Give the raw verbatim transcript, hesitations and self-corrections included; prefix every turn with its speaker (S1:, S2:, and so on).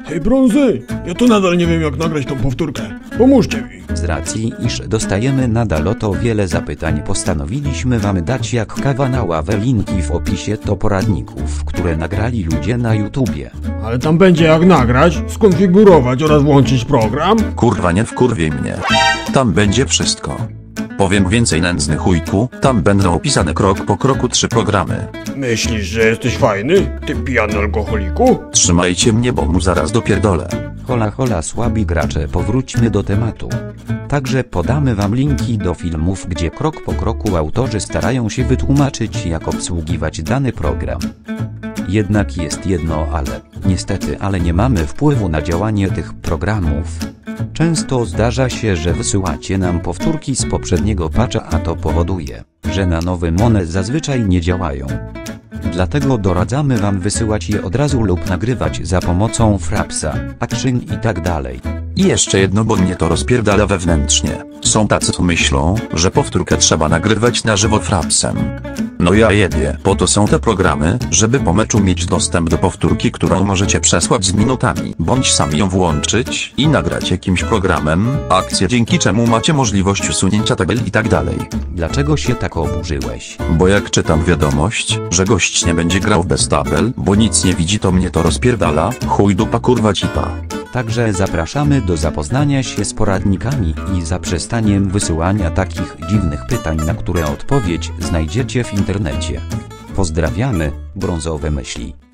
S1: Hej Brązy, ja to nadal nie wiem jak nagrać tą powtórkę. Pomóżcie mi.
S2: Z racji, iż dostajemy nadal o to wiele zapytań, postanowiliśmy wam dać jak kawa na ławę linki w opisie do poradników, które nagrali ludzie na YouTubie.
S1: Ale tam będzie jak nagrać, skonfigurować oraz włączyć program?
S3: Kurwa, nie wkurwiej mnie. Tam będzie wszystko. Powiem więcej, nędzny chujku, tam będą opisane krok po kroku trzy programy.
S1: Myślisz, że jesteś fajny, ty pijany alkoholiku?
S3: Trzymajcie mnie, bo mu zaraz dopierdolę.
S2: Hola hola słabi gracze, powróćmy do tematu. Także podamy wam linki do filmów, gdzie krok po kroku autorzy starają się wytłumaczyć, jak obsługiwać dany program. Jednak jest jedno ale, niestety, ale nie mamy wpływu na działanie tych programów. Często zdarza się, że wysyłacie nam powtórki z poprzedniego patcha, a to powoduje, że na nowym one zazwyczaj nie działają. Dlatego doradzamy wam wysyłać je od razu lub nagrywać za pomocą Frapsa, Action i tak dalej.
S3: I jeszcze jedno, bo mnie to rozpierdala wewnętrznie. Są tacy, co myślą, że powtórkę trzeba nagrywać na żywo Frapsem. No ja jebie, po to są te programy, żeby po meczu mieć dostęp do powtórki, którą możecie przesłać z minutami, bądź sami ją włączyć i nagrać jakimś programem, akcję, dzięki czemu macie możliwość usunięcia tabel i tak dalej.
S2: Dlaczego się tak oburzyłeś?
S3: Bo jak czytam wiadomość, że gość nie będzie grał bez tabel, bo nic nie widzi, to mnie to rozpierdala, chuj dupa kurwa cipa.
S2: Także zapraszamy do zapoznania się z poradnikami i zaprzestaniem wysyłania takich dziwnych pytań, na które odpowiedź znajdziecie w internecie. Pozdrawiamy, brązowe myśli.